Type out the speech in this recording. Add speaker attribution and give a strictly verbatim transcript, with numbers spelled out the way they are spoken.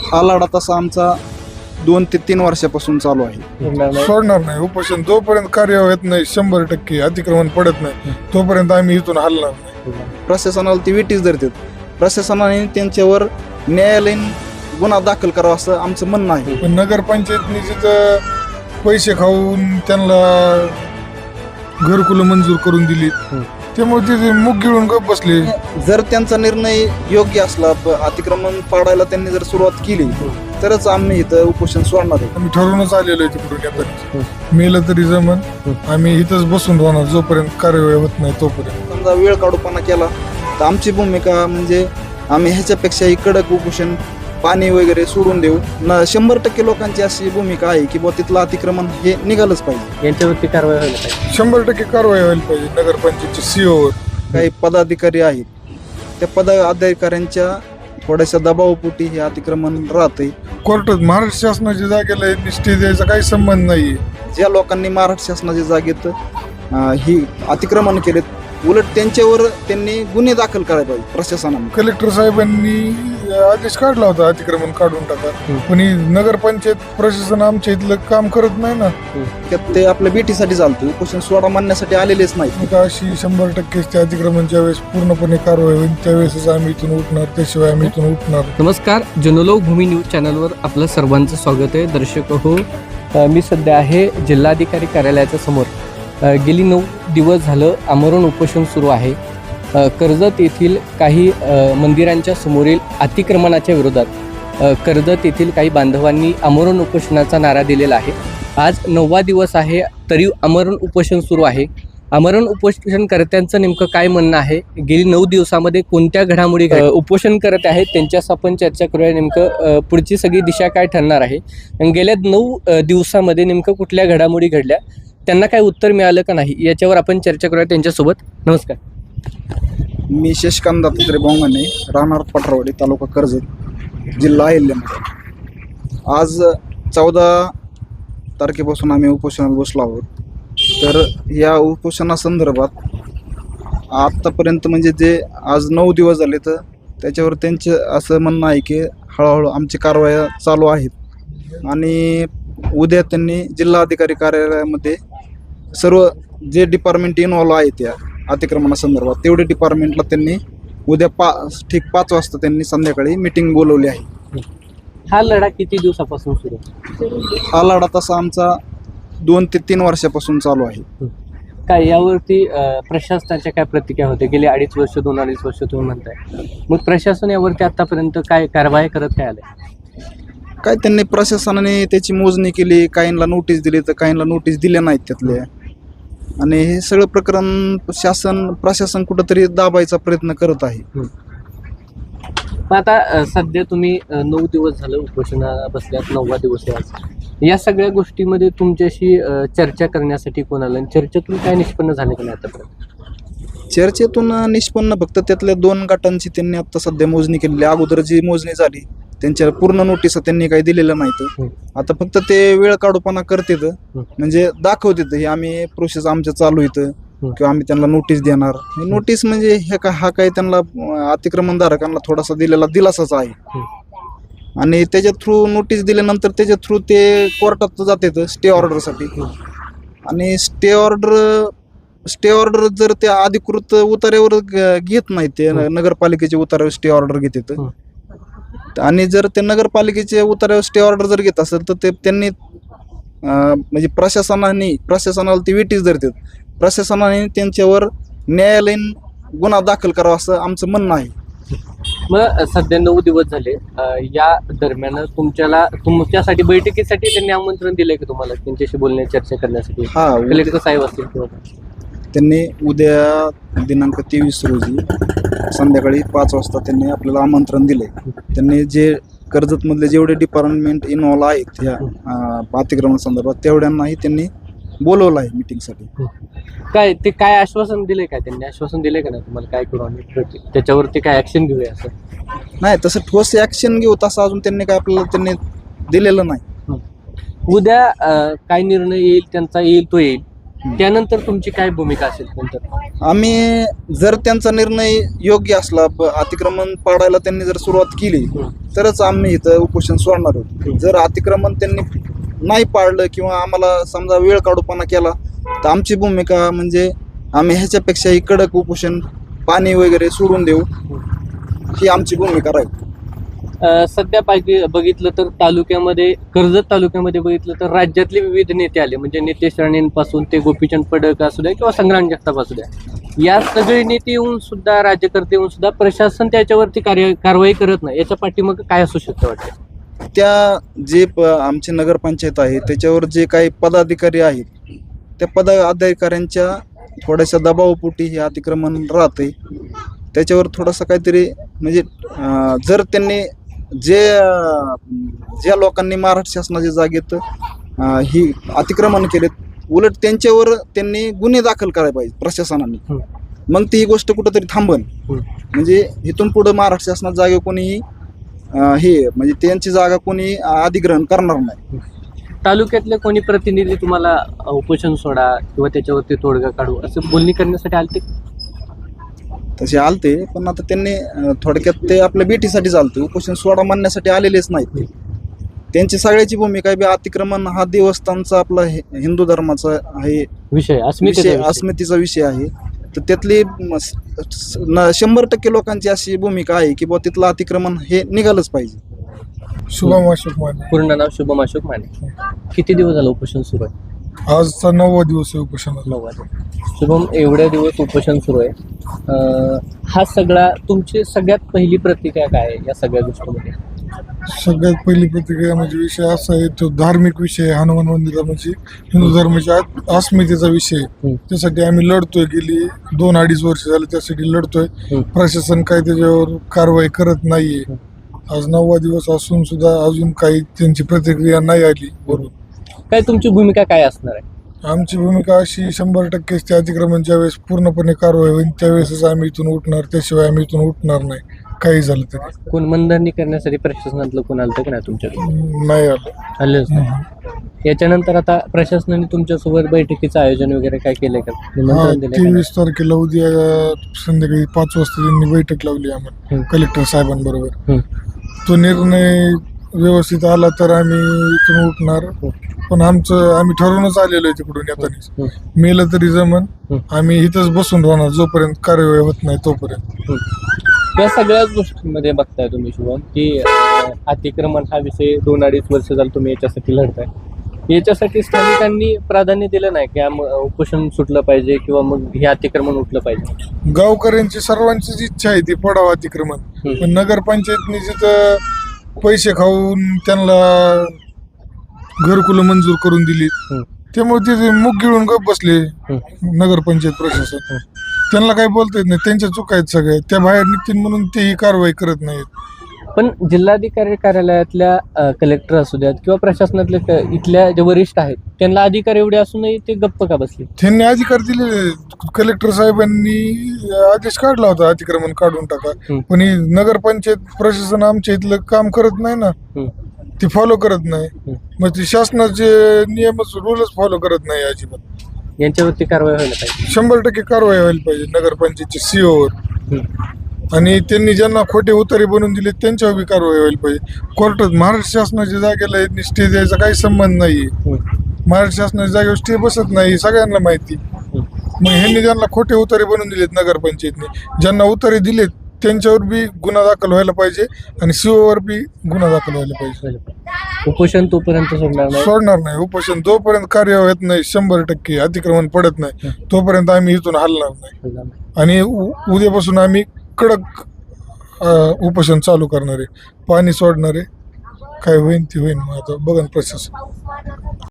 Speaker 1: हा लढा तसा आमचा दोन ते तीन वर्षापासून चालू आहे.
Speaker 2: सोडणार नाही उपोषण जोपर्यंत कार्य होत नाही, शंभर टक्के अतिक्रमण पडत नाही तोपर्यंत आम्ही इथून हलणार नाही.
Speaker 1: प्रशासनाला ती विटीच धरतात. प्रशासनाने त्यांच्यावर न्यायालयीन गुन्हा दाखल करावा असं आमचं म्हणणं आहे.
Speaker 2: पण नगरपंचायतनी जिथं पैसे खाऊन त्यांना घरकुलं मंजूर करून दिली त्यामुळे ते मुग गिळून गप बसले.
Speaker 1: जर त्यांचा निर्णय योग्य असला, प- अतिक्रमण पाडायला त्यांनी जर सुरुवात केली तरच आम्ही इथं उपोषण सोडणार आहे.
Speaker 2: आम्ही ठरवूनच आलेलो आहे तिकडून येताना. मेलं तरी जमन, आम्ही इथंच बसून राहणार जोपर्यंत कार्यवाही होत नाही तोपर्यंत.
Speaker 1: समजा वेळ काढूपणा केला तर आमची भूमिका म्हणजे आम्ही ह्याच्यापेक्षाही कडक उपोषण, पाणी वगैरे सोडून देऊ. न शंभर टक्के लोकांची अशी भूमिका आहे की बुवा तिथलं अतिक्रमण हे निघालंच पाहिजे.
Speaker 3: यांच्यावरती कारवाई व्हायला पाहिजे.
Speaker 2: शंभर टक्के कारवाई व्हायला पाहिजे नगरपंचायतच्या सीओवर.
Speaker 1: काही पदाधिकारी आहेत, त्या पदाधिकाऱ्यांच्या थोड्याशा दबावपोटी हे अतिक्रमण राहतंय.
Speaker 2: कोर्टात महाराष्ट्र शासनाच्या जागेला निष्ठे द्यायचा काही संबंध नाहीये.
Speaker 1: ज्या लोकांनी महाराष्ट्र शासनाच्या जागेत अं, ही अतिक्रमण केलेत, उलट त्यांच्यावर त्यांनी गुन्हे दाखल करायला पाहिजे प्रशासनाने.
Speaker 2: कलेक्टर साहेबांनी आदेश काढला होता अतिक्रमण काढून टाका, पण ही नगरपंचायत प्रशासन आमच्या इथलं काम करत नाही ना.
Speaker 1: त्यात ते आपल्या बेटीसाठी चालतं, उपोषण सोडा मानण्यासाठी आलेलेच नाही.
Speaker 2: मग अशी शंभर टक्के त्या अतिक्रमणच्या वेळेस पूर्णपणे कारवाई होईल त्यावेळेसच आम्ही इथून उठणार, त्याशिवाय आम्ही इथून उठणार.
Speaker 3: नमस्कार, जनलोक भूमी न्यूज चॅनलवर आपलं सर्वांचं स्वागत आहे. दर्शक हो, अ, मी सध्या आहे जिल्हाधिकारी कार्यालयाच्या समोर. अ, गेली नऊ दिवस झालं आमरण उपोषण सुरू आहे. अ, कर्जत येथील काही अ, मंदिरांच्या समोरील अतिक्रमणाच्या विरोधात अ, कर्जत येथील काही बांधवांनी आमरण उपोषणाचा नारा दिलेला आहे. आज नववा दिवस आहे तरी आमरण उपोषण सुरू आहे. आमरण उपोषणकर्त्यांचं नेमकं काय म्हणणं आहे, गेली नऊ दिवसामध्ये कोणत्या घडामोडी घड- अ, उपोषण करत आहेत त्यांच्यास आपण चर्चा करूया. नेमकं अ, पुढची सगळी दिशा काय ठरणार आहे, आणि गेल्या नऊ अ, दिवसामध्ये नेमकं कुठल्या घडामोडी घडल्या, त्यांना काय उत्तर मिळालं का नाही, याच्यावर आपण चर्चा करूया त्यांच्यासोबत. नमस्कार.
Speaker 1: मी शशिकांत दत्तात्रय बोंगाने, राहणार पटरावडी, तालुका कर्जत, जिल्हा अहिल्यानगर. आज चौदा तारखेपासून आम्ही उपोषणाला बसलो आहोत. तर या उपोषणासंदर्भात आत्तापर्यंत म्हणजे जे आज नऊ दिवस झाले तर त्याच्यावर त्यांचं असं म्हणणं आहे की हळूहळू आमची कारवाया चालू आहेत आणि उद्या त्यांनी जिल्हाधिकारी कार्यालयामध्ये सर्व जे डिपार्टमेंट इन्व्हॉल्व आहे त्या अतिक्रमणासंदर्भात तेवढे डिपार्टमेंटला त्यांनी उद्या पा ठीक पाच वाजता त्यांनी संध्याकाळी मीटिंग बोलवली आहे.
Speaker 3: हा लढा किती दिवसापासून सुरू आहे?
Speaker 1: हा लढा तसा आमचा दोन ते तीन वर्षापासून चालू आहे.
Speaker 3: काय यावरती अ, प्रशासनाच्या काय प्रतिक्रिया होते? गेली अडीच वर्ष दोन अडीच वर्ष तुम्ही म्हणताय, मग प्रशासन यावरती आतापर्यंत काय कारवाई करत काय आलंय?
Speaker 1: काय त्यांनी प्रशासनाने त्याची मोजणी केली, काहींना नोटीस दिली तर काहींना नोटीस दिल्या नाहीत त्यातल्या, आणि हे सगळं प्रकरण शासन प्रशासन कुठंतरी दाबायचा प्रयत्न करत आहे.
Speaker 3: पण आता अ, सध्या तुम्ही अ, नऊ दिवस झालं उपोषणा बसल्यात, नववा दिवस आहे आज. या सगळ्या गोष्टीमध्ये तुमच्याशी अ, चर्चा करण्यासाठी कोण आलं, आणि चर्चेतून काय निष्पन्न झाले का नाही आतापर्यंत?
Speaker 1: चर्चेतून निष्पन्न फक्त त्यातल्या दोन गटांची त्यांनी आता सध्या मोजणी केलेली. अगोदर जी मोजणी झाली त्यांच्या पूर्ण नोटीस त्यांनी काही दिलेलं नाहीत. आता फक्त ते वेळ काढूपणा करतेत, म्हणजे दाखवतेत हे आम्ही प्रोसेस आमच्या चालू येतं किंवा आम्ही त्यांना नोटीस देणार. नोटीस म्हणजे हे का हा काही त्यांना अतिक्रमणधारकांना थोडासा दिलेला दिलासाच आहे, आणि त्याच्या थ्रू नोटीस दिल्यानंतर त्याच्या थ्रू ते कोर्टात जातात स्टे ऑर्डरसाठी, आणि स्टे ऑर्डर स्टे ऑर्डर जर त्या अधिकृत उतार्यावर ग- घेत नाहीत, ते नगरपालिकेचे उतार्यावर स्टे ऑर्डर घेतात, आणि जर ते नगरपालिकेचे उतार्यावर स्टे ऑर्डर जर घेत असेल तर ते त्यांनी अं, म्हणजे प्रशासनाने प्रशासनाला ती विटीच धरतात. प्रशासनाने त्यांच्यावर न्यायालयीन गुन्हा दाखल करावा असं आमचं म्हणणं आहे.
Speaker 3: मग सध्या नऊ दिवस झाले, अ, या दरम्यान तुमच्याला तुमच्यासाठी बैठकीसाठी त्यांनी आमंत्रण दिलंय की तुम्हाला त्यांच्याशी बोलण्या चर्चा करण्यासाठी?
Speaker 1: हा,
Speaker 3: कलेक्टर साहेब असतील किंवा
Speaker 1: त्यांनी उद्या दिनांक तेवीस रोजी संध्याकाळी पाच वाजता त्यांनी आपल्याला आमंत्रण दिले. त्यांनी जे कर्जतमधले जेवढे डिपार्टमेंट इन्व्हॉल्व आहेत ह्या अतिक्रमण संदर्भात तेवढ्यांनाही त्यांनी बोलवलं आहे मीटिंगसाठी.
Speaker 3: काय ते काय आश्वासन दिले, काय त्यांनी आश्वासन दिले का नाही तुम्हाला, काय करू आम्ही त्याच्यावरती काय ऍक्शन घेऊया असं?
Speaker 1: नाही, तसं ठोस ऍक्शन घेऊ तसं अजून त्यांनी काय आपल्याला त्यांनी दिलेलं नाही.
Speaker 3: उद्या अ, काय निर्णय येईल त्यांचा, येईल तो येईल, त्यानंतर तुमची काय भूमिका असेल नंतर?
Speaker 1: आम्ही जर त्यांचा निर्णय योग्य असला, ब- अतिक्रमण पाडायला त्यांनी जर सुरुवात केली तरच आम्ही इथं उपोषण सोडणार आहोत. जर अतिक्रमण त्यांनी नाही पाळलं किंवा आम्हाला समजा वेळ काढूपणा केला तर आमची भूमिका म्हणजे आम्ही ह्याच्यापेक्षाही कडक उपोषण, पाणी वगैरे सोडून देऊ, ही आमची भूमिका राहील.
Speaker 3: अ, सध्या पाहिजे बघितलं तर तालुक्यामध्ये, कर्जत तालुक्यामध्ये बघितलं तर राज्यातले विविध नेते आले, म्हणजे नितेश राणेंपासून ते गोपीचंद पडळकर असू द्या किंवा संग्राम जगताप असू द्या, या सगळे नेते येऊन सुद्धा, राज्यकर्ते येऊन सुद्धा प्रशासन त्याच्यावरती कार्य कारवाई करत नाही. याच्या पाठीमागे काय असू शकतं वाटतं?
Speaker 1: त्या जे प आमची नगरपंचायत आहे त्याच्यावर जे काही पदाधिकारी आहेत त्या पदाधिकाऱ्यांच्या थोड्याशा दबावपोटी हे अतिक्रमण राहते. त्याच्यावर थोडंसं काहीतरी म्हणजे अं, जर त्यांनी जे अं, ज्या लोकांनी महाराष्ट्र शासनाच्या जागेत अं, ही अतिक्रमण केलेत, उलट त्यांच्यावर त्यांनी गुन्हे दाखल करायला पाहिजे प्रशासनाने.
Speaker 3: हं.
Speaker 1: मग ती ही गोष्ट कुठंतरी थांबन.
Speaker 3: हं.
Speaker 1: म्हणजे इथून पुढं महाराष्ट्र शासनात जागे कोणीही अं, हे म्हणजे त्यांची जागा कोणी अधिग्रहण करणार नाही.
Speaker 3: तालुक्यातले कोणी प्रतिनिधी तुम्हाला उपोषण सोडा किंवा त्याच्यावरती तोडगा काढू असं बोलणी करण्यासाठी आलते?
Speaker 1: तसे आलते, पण आता त्यांनी अं, थोडक्यात ते आपल्या बेटीसाठी चालते, उपोषण सोडा मानण्यासाठी आलेलेच नाहीत ते. त्यांची सगळ्याची भूमिका आहे बी अतिक्रमण हा देवस्थानचा आपला हि- हिंदू धर्माचा आहे
Speaker 3: विषय अस्मितेचा
Speaker 1: विषय,
Speaker 3: विषय.
Speaker 1: अस्मितेचा विषय आहे. तर त्यातली म- स- स- न- शंभर टक्के लोकांची अशी भूमिका आहे की बुवा तिथलं अतिक्रमण हे निघालंच पाहिजे.
Speaker 2: शुभम अशोक माने.
Speaker 3: पूर्ण नाव शुभम अशोक माने. किती दिवस झालं उपोषण सुरू आहे?
Speaker 2: आजचा नववा दिवस आहे उपोषणाचा.
Speaker 3: नऊ वाजता. शुभम, एवढ्या दिवस उपोषण सुरू आहे, अं, हा सगळा तुमची सगळ्यात पहिली प्रतिक्रिया काय आहे या सगळ्या गोष्टीमध्ये?
Speaker 2: सगळ्यात पहिली प्रतिक्रिया म्हणजे विषय असा आहे, तो धार्मिक विषय आहे. हनुमान मंदिरा म्हणजे हिंदू धर्माच्या आत- अस्मितेचा विषय आहे.
Speaker 3: हं.
Speaker 2: त्यासाठी आम्ही लढतोय, गेली दोन अडीच वर्ष झाले त्यासाठी लढतोय.
Speaker 3: हं.
Speaker 2: प्रशासन काही त्याच्यावर कारवाई करत नाहीये. आज नववा दिवस असून सुद्धा अजून काही त्यांची प्रतिक्रिया नाही आली. बरोबर,
Speaker 3: काय तुमची भूमिका काय असणार आहे?
Speaker 2: आमची भूमिका अशी, शंभर टक्केच ते अतिक्रमण ज्यावेळेस पूर्णपणे कारवाई होईल त्यावेळेसच आम्ही इथून उठणार, त्याशिवाय आम्ही इथून उठणार नाही काही झालं तरी.
Speaker 3: कोण मनधरणी करण्यासाठी प्रशासनातलं कोण आलं की नाही तुमच्याकडे?
Speaker 2: नाही आलं.
Speaker 3: आलेच नाही. याच्यानंतर आता प्रशासनाने तुमच्यासोबत बैठकीचं आयोजन वगैरे काय केलंय का?
Speaker 2: हा,
Speaker 3: निमंत्रण दिलंय का नाही?
Speaker 2: तेवीस तारखेला उद्या संध्याकाळी पाच वाजता त्यांनी बैठक लावली आम्हाला
Speaker 3: हं.
Speaker 2: कलेक्टर साहेबांबरोबर.
Speaker 3: हं.
Speaker 2: तो निर्णय व्यवस्थित आला तर आम्ही इथून उठणार. पण आमचं आम्ही ठरवूनच आलेलो आहे तिकडून येतानीच.
Speaker 3: हं.
Speaker 2: मेलं तरी जमन,
Speaker 3: हं.
Speaker 2: आम्ही इथंच बसून राहणार जोपर्यंत कार्यवाही होत नाही तोपर्यंत.
Speaker 3: हं. या सगळ्याच गोष्टींमध्ये बघताय तुम्ही शुभम की अं, अतिक्रमण हा विषय दोन अडीच वर्ष झालं तुम्ही याच्यासाठी लढताय. याच्यासाठी स्थानिकांनी प्राधान्य दिलं नाही की आम- उपोषण सुटलं पाहिजे किंवा मग हे अतिक्रमण उठलं पाहिजे?
Speaker 2: गावकऱ्यांची सर्वांचीच इच्छा आहे ती पडावं अतिक्रमण.
Speaker 3: हं.
Speaker 2: पण नगरपंचायतने जिथं पैसे खाऊन त्यांना घरकुलं मंजूर करून दिली,
Speaker 3: हं.
Speaker 2: त्यामुळे ते मुग गिळून गप बसले
Speaker 3: हं.
Speaker 2: नगरपंचायत प्रशासन. त्यांना काही बोलता येत नाही, त्यांच्या चुका आहेत सगळ्या. त्या बाहेर निघतील म्हणून तेही कारवाई करत नाहीत.
Speaker 3: पण जिल्हाधिकारी कार्यालयातल्या कलेक्टर असू द्यात किंवा प्रशासनातले क- इथल्या जे वरिष्ठ आहेत त्यांना अधिकार एवढे असूनही ते गप्प का बसले?
Speaker 2: त्यांनी अधिकार दिलेले. कलेक्टर साहेबांनी आदेश काढला होता अतिक्रमण काढून टाका,
Speaker 3: हं.
Speaker 2: पण ही नगरपंचायत प्रशासन आमच्या इथलं काम करत नाही ना,
Speaker 3: हं.
Speaker 2: ते फॉलो करत नाही.
Speaker 3: हं.
Speaker 2: मग ते शासनाचे नियमच रूलच फॉलो करत नाही अजिबात.
Speaker 3: यांच्यावरती कारवाई व्हायला पाहिजे.
Speaker 2: शंभर टक्के कारवाई व्हायला पाहिजे नगरपंचायतच्या सीओवर.
Speaker 3: हं.
Speaker 2: आणि त्यांनी ज्यांना खोटे उतारे बनवून दिले त्यांच्यावर बी कारवाई व्हायला पाहिजे. कोर्टात महाराष्ट्र शासनाच्या जागेला स्टे द्यायचा काही संबंध नाही.
Speaker 3: हं.
Speaker 2: महाराष्ट्र शासनाच्या जागेवर स्टे बसत नाही, सगळ्यांना माहिती.
Speaker 3: हं.
Speaker 2: मग ह्यांनी ज्यांना खोटे उतारे बनवून दिलेत नगरपंचायतने, ज्यांना उतारे दिलेत त्यांच्यावर बी गुन्हा दाखल व्हायला पाहिजे आणि सीओवर बी गुन्हा दाखल व्हायला पाहिजे.
Speaker 3: उपोषण तोपर्यंत सोडणार नाही.
Speaker 2: सोडणार नाही उपोषण जोपर्यंत कार्यवाही होत नाही, शंभर टक्के अतिक्रमण पडत नाही तोपर्यंत आम्ही इथून हलणार नाही. आणि उ- उद्यापासून आम्ही कडक अ, उपोषण चालू करणार आहे, पाणी सोडणार आहे. काय होईल ते होईल, मग आता बघा ना प्रशासन.